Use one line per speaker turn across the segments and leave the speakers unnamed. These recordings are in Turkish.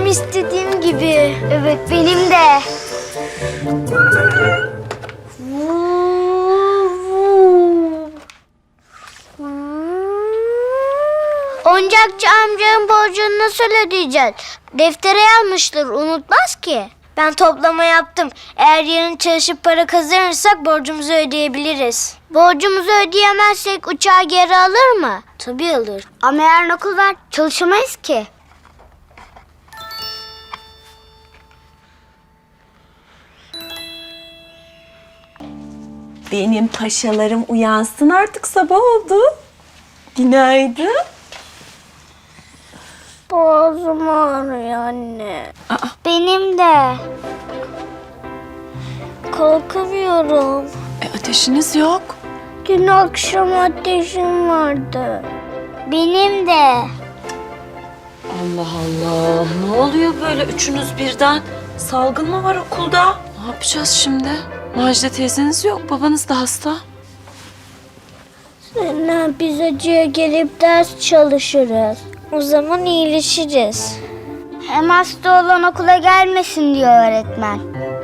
Tam istediğim gibi. Evet, benim de. Oyuncakçı amcanın borcunu nasıl ödeyeceğiz? Deftere yazmıştır, unutmaz ki. Ben toplama yaptım. Eğer yarın çalışıp para kazanırsak borcumuzu ödeyebiliriz. Borcumuzu ödeyemezsek uçağı geri alır mı? Tabii alır. Ama yarın okul var, çalışamayız ki.
Benim paşalarım uyansın artık, sabah oldu. Günaydın.
Boğazım ağrıyor anne. Benim de. Kalkamıyorum.
Ateşiniz yok.
Dün akşam ateşim vardı. Benim de.
Allah Allah, ne oluyor böyle üçünüz birden? Salgın mı var okulda? Ne yapacağız şimdi? Macide teyzeniz yok, babanız da hasta.
Sonra biz acıya gelip ders çalışırız. O zaman iyileşiriz. Hem hasta olan okula gelmesin diyor öğretmen.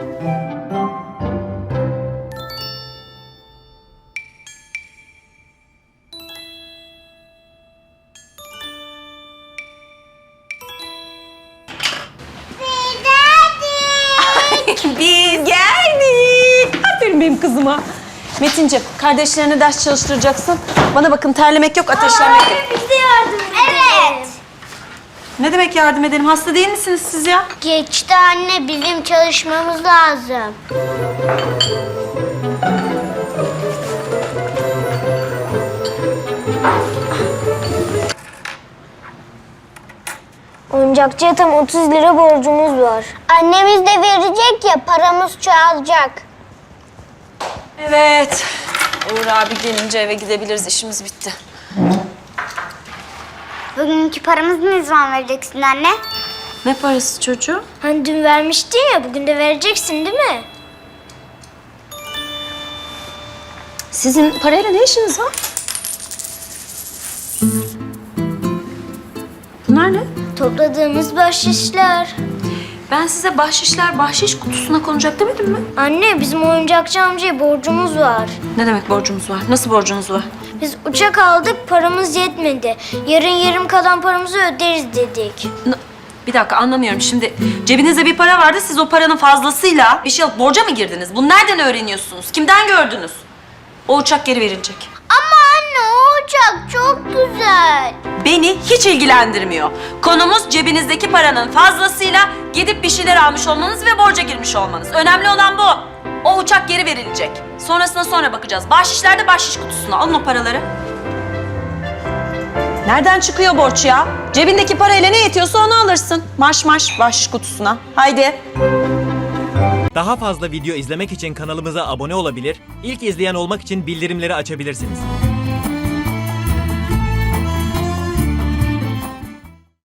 Biz geldik. Aferin benim kızıma. Metinciğim, kardeşlerine ders çalıştıracaksın. Bana bakın, terlemek yok, ateşlenmek yok.
Bize yardım edin. Evet.
Ne demek yardım edelim? Hasta değil misiniz siz ya?
Geçti anne, bizim çalışmamız lazım. Oyuncakçıya tam 30 lira borcumuz var. Annemiz de verecek ya, paramız çoğalacak.
Evet. Uğur abi gelince eve gidebiliriz, işimiz bitti.
Bugünkü paramızı ne zaman vereceksin anne?
Ne parası çocuğum?
Hani dün vermiştin ya, bugün de vereceksin değil mi?
Sizin parayla ne işiniz var? Bunlar ne?
Topladığımız bahşişler.
Ben size bahşişler bahşiş kutusuna konacak demedim mi?
Anne, bizim oyuncakçı amcaya borcumuz var.
Ne demek borcumuz var? Nasıl borcunuz var?
Biz uçak aldık, paramız yetmedi. Yarın yarım kalan paramızı öderiz dedik.
Bir dakika, anlamıyorum. Şimdi cebinizde bir para vardı. Siz o paranın fazlasıyla bir şey alıp borca mı girdiniz? Bunu nereden öğreniyorsunuz? Kimden gördünüz? O uçak geri verilecek.
Ama anne, o uçak çok güzel.
Beni hiç ilgilendirmiyor. Konumuz cebinizdeki paranın fazlasıyla gidip bir şeyler almış olmanız ve borca girmiş olmanız. Önemli olan bu. O uçak geri verilecek. Sonrasına sonra bakacağız. Bahşişler de bahşiş kutusuna. Alın o paraları. Nereden çıkıyor borç ya? Cebindeki parayla ne yetiyorsa onu alırsın. Marş marş bahşiş kutusuna. Haydi.
Daha fazla video izlemek için kanalımıza abone olabilir, ilk izleyen olmak için bildirimleri açabilirsiniz.